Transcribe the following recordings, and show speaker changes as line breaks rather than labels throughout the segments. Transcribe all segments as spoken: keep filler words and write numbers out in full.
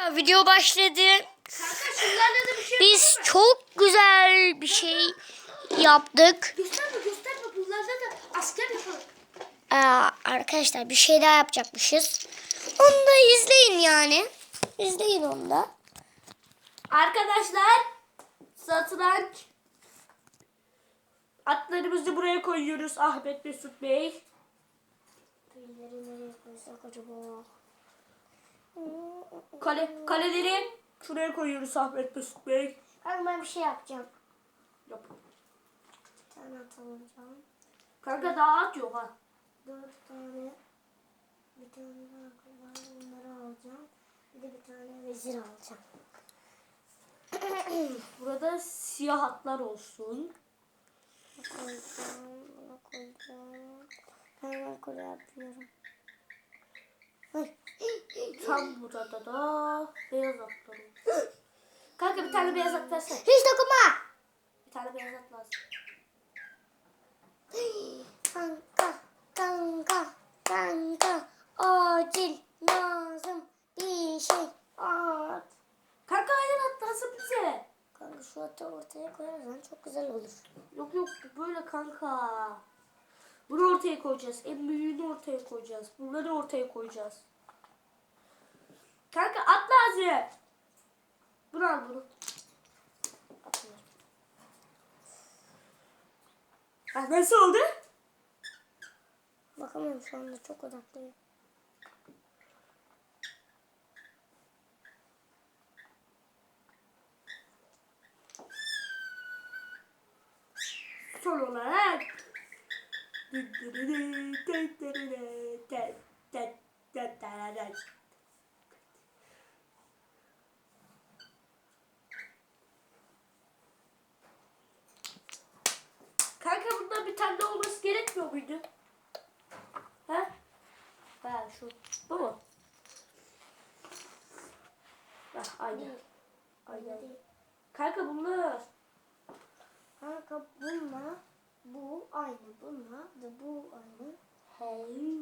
Video başladı.
Kanka şunlarla da bir şey
Biz çok güzel bir şey yaptık.
gösterme gösterme bunlarla da asker yapalım.
Aa, arkadaşlar bir şey daha yapacakmışız. Onu da izleyin yani. İzleyin onu da.
Arkadaşlar satranç atlarımızı buraya koyuyoruz Ahmet Mesut Bey.
Birileri nereye koysak acaba?
Kale, kaleleri şuraya koyuyoruz Ahmet Mesut Bey.
Ben, ben bir şey yapacağım.
Yap.
Bir tane at alacağım.
Kanka daha at yok ha.
Dört tane. Bir tane daha var. Bunları alacağım. Bir de bir tane vezir alacağım.
Burada siyah atlar olsun.
Bunu koyacağım. Bunu koyacağım. Hemen kule yapıyorum. Ay.
Tam burada da beyaz atlar olsun. Kanka bir tane beyaz at versene.
Hiç dokunma.
Bir tane beyaz at lazım.
Kanka, kanka, kanka. Acil lazım bir şey at.
Kanka hayır at lazım bize.
Kanka şu atı ortaya koyarsan çok güzel olur.
Yok yok böyle kanka. Bunu ortaya koyacağız. En büyüğünü ortaya koyacağız. Bunları ortaya koyacağız. Kanka at lazım. Bunu al bunu. Atıyorum. Ha, nasıl oldu?
Bakamıyorum şu anda çok odaklıyım.
Son olarak kanka bundan bir tane de olması gerekmiyor muydu? Ha? Ha şu. Bu mu? Ah, aynen. Aynen. Kanka bunlar.
Kanka bununla bu aynı. Bununla da bu aynı.
Hey.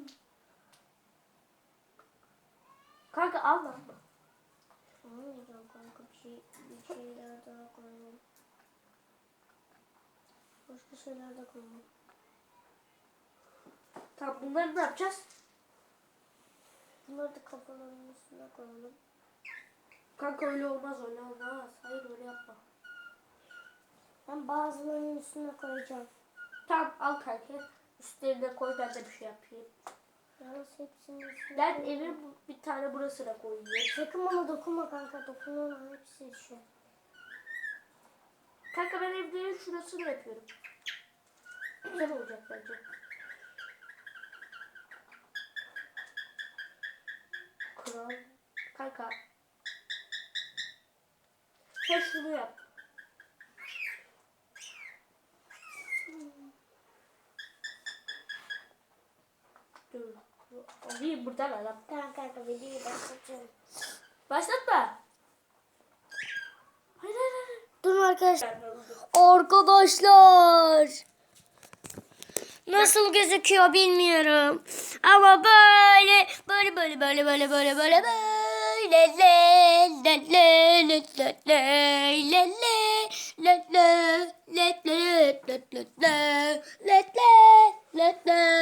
Kanka al lan.
Anlayacağım kanka bir şey bir şeyler daha koyalım. Başka şeyler de koyalım.
Tamam bunları ne yapacağız?
Bunları da kafalarının üstüne koyalım.
Kanka öyle olmaz öyle olmaz. Hayır öyle yapma.
Ben bazılarının üstüne koyacağım.
Tamam al kanka. Üstlerine koy ben de bir şey yapayım.
Yalnız hepsinin üstüne
Ben
koyacağım.
evin bu- bir tane burasına koyayım.
Sakın bana dokunma kanka. Dokunma hepsi düşüyor.
Kanka ben evlerin şurasını yapıyorum. Güzel olacak bence. Kral. Kanka. Sen şunu yap. Dur. Alayım buradan adam.
Tamam kanka videoyu başlatıyorum.
Başlatma. Hayır hayır hayır.
Durun arkadaşlar. Arkadaşlar. Nasıl gözüküyor bilmiyorum. Ama böyle böyle böyle böyle böyle böyle böyle böyle le le le le le le le le le le le le le le le le le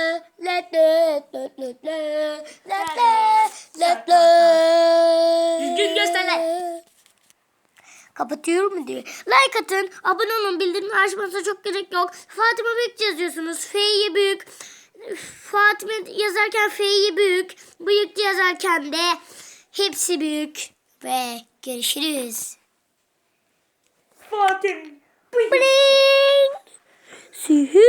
le
Düzgün göster.
Kapatıyorum mu diyor. Like atın, abone olun, bildirimleri açmanıza çok gerek yok. Fatıma Büyük yazıyorsunuz. F'yi büyük. Fatıma yazarken F'yi büyük. Büyük yazarken de hepsi büyük. Ve görüşürüz.
Fatih.
Bling. Sihir.